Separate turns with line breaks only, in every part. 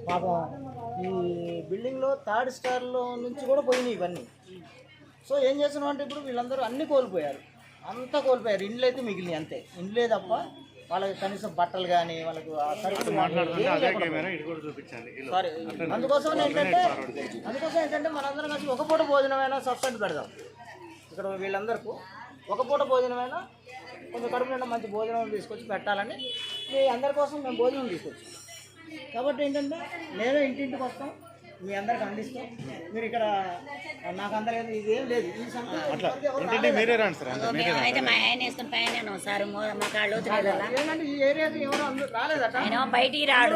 పాపం ఈ బిల్డింగ్లో థర్డ్ స్టార్లో నుంచి కూడా పోయినాయి ఇవన్నీ. సో ఏం చేస్తున్నాం అంటే ఇప్పుడు వీళ్ళందరూ అన్నీ కోల్పోయారు, అంతా కోల్పోయారు. ఇండ్లు అయితే మిగిలినాయి అంతే, ఇండ్లే తప్ప వాళ్ళకి కనీసం బట్టలు కానీ వాళ్ళకు సారీ. అందుకోసం ఏంటంటే మనందరం కలిసి ఒక పూట భోజనమైనా సబ్సిడీ పెడదాం. ఇక్కడ వీళ్ళందరికీ ఒక పూట భోజనమైనా కొంచెం కడుపు నిండా మంచి భోజనం తీసుకొచ్చి పెట్టాలని మీ అందరి కోసం మేము భోజనం తీసుకొచ్చాం. కాబట్టి ఏంటంటే నేనే ఇంటింటికి వస్తాం, మీ అందరికి అందిస్తాం. మీరు ఇక్కడ నాకు అందలేదు ఇదేం లేదు. ఈ ఏంటంటే ఈ ఏరియాకి ఎవరు రాలేదట,
బయటికి రాడు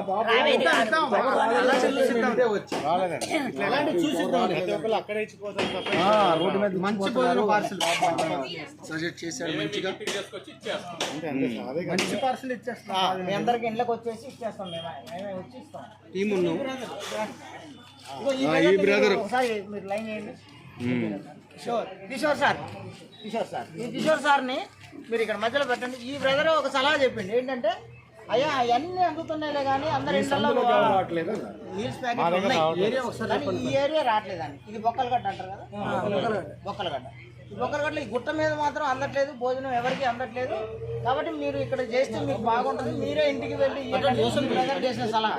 మంచి సజెస్ట్ చేశాడు, మంచిగా మంచి పార్సల్ ఇచ్చేస్తాం. మీ అందరికి ఇంట్లోకి వచ్చేసి ఇచ్చేస్తాం, మేమే వచ్చి ఇస్తాం. టీం ఉన్నాం. ఒకసారి మీరు లైన్ చేయండి. కిషోర్ సార్ ఈ కిషోర్ సార్ని మీరు ఇక్కడ మధ్యలో పెట్టండి. ఈ బ్రదర్ ఒక సలహా చెప్పింది ఏంటంటే, అయ్యా అవన్నీ అందుతున్నాయిలే కానీ అందరి ఇళ్లలో మీల్స్ ప్యాకెట్ ఉన్నాయి, ఈ ఏరియా రావట్లేదని. ఇది బొక్కలగడ్డ అంటారు కదా, బొక్కలగడ్డ. ఈ బొక్కలగడ్డలో ఈ గుట్ట మీద మాత్రం అందట్లేదు, భోజనం ఎవరికి అందట్లేదు. కాబట్టి మీరు ఇక్కడ చేస్తే మీకు బాగుంటుంది. మీరే ఇంటికి వెళ్ళి బ్రదర్ చేసిన సలహా.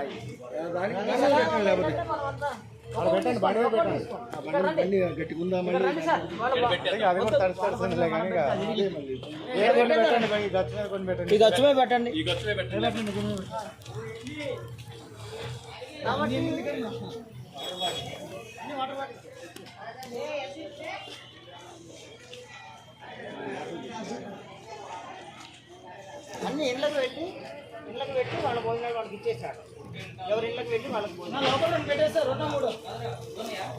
గచ్చుమే పెట్టండి. అన్ని ఇళ్ళకి పెట్టి వాళ్ళ భోజనాలు వాళ్ళకి ఇచ్చేసాడు. ఎవరి ఇళ్ళకి పెట్టి వాళ్ళకి భోజనం పెట్టేస్తారు. 2 3